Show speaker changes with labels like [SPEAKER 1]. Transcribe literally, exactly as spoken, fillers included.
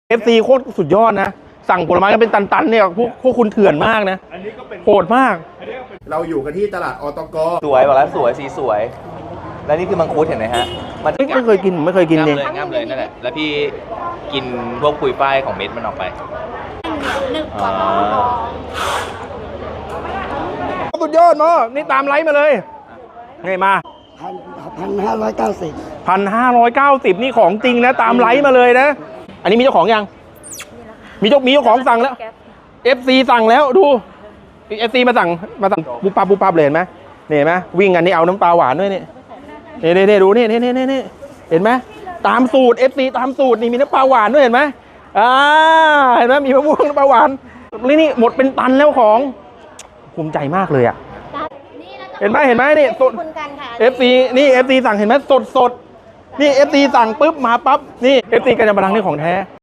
[SPEAKER 1] เอฟซีโคตรสุดยอดนะสั่งผลไม้กันเป็นตันๆเนี่ยพวกพวกคุณเถื่อนมากนะโหดมากเราอยู่กันที่ตลาดอตก
[SPEAKER 2] สวยบอกแล้วสวยสีสวย แล้วนี่คือมังคุดเห็นไหมฮะมัน
[SPEAKER 1] ไม่เคยกินไม่เคยกิน
[SPEAKER 2] ง่าม
[SPEAKER 1] เอง
[SPEAKER 2] เลยง่ามเลยนั่นแหละแล้วพี่กินพวกปุยฝ้ายของเม็ดมันออกไปอ๋อ
[SPEAKER 1] สุดยอดมั้งนี่ตามไลฟ์มาเลยนี่มา
[SPEAKER 3] พันพันห้าร้อยเก้าสิบ
[SPEAKER 1] พันห้าร้อยเก้าสิบนี่ของจริงนะตามไลฟ์มาเลยนะอันนี้มีเจ้าของยังมีเจ้ามีเจ้าของสั่งแล้ว เอฟ ซี สั่งแล้วดู เอฟ ซี มาสั่งมาสั่งปุ๊บปั๊บปุ๊บปั๊บเลยเห็นไหมนี่เห็นไหมวิ่งกันนี่เอาน้ำปลาหวานด้วยนี่นี่นี่นี่ดูนี่นี่นี่นี่เห็นไหมตามสูตร เอฟ ซี ตามสูตรนี่มีน้ำปลาหวานด้วยเห็นไหมอ่าเห็นไหมมีมะม่วงน้ำปลาหวานนี่นี่หมดเป็นตันแล้วของภูมิใจมากเลยอ่ะเห็นไหมเห็นไหมนี่สด เอฟ ซี นี่ เอฟ ซี สั่งเห็นไหมสดสดนี่ เอฟ ซี สั่งปุ๊บมาปั๊บนี่ เอฟ ซี กันยำปะทังนี่ของแท้